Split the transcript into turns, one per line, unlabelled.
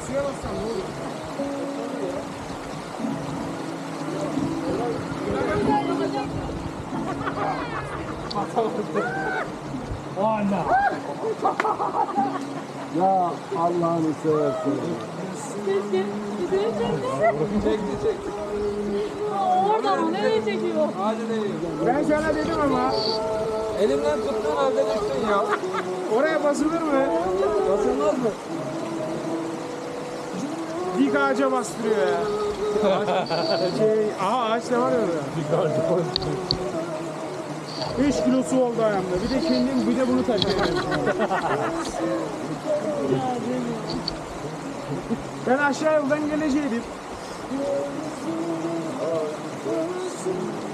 suya bassan ne olur?
Ana.
Ya Allah'ını seversen.
Çekti.
Oradan o nereye çekiyor?
Hadi değil.
Ben sana dedim ama
Elimden tuttuğun halde düştün ya.
oraya basılır mı?
Basılmaz mı?
Dik ağaca bastırıyor ya. Aha ağaç da var ya orada. 5 kilo su oldu ayağımda. Bir de kendim bir de bunu taşıyorum. Ben aşağı yoldan geleceğim.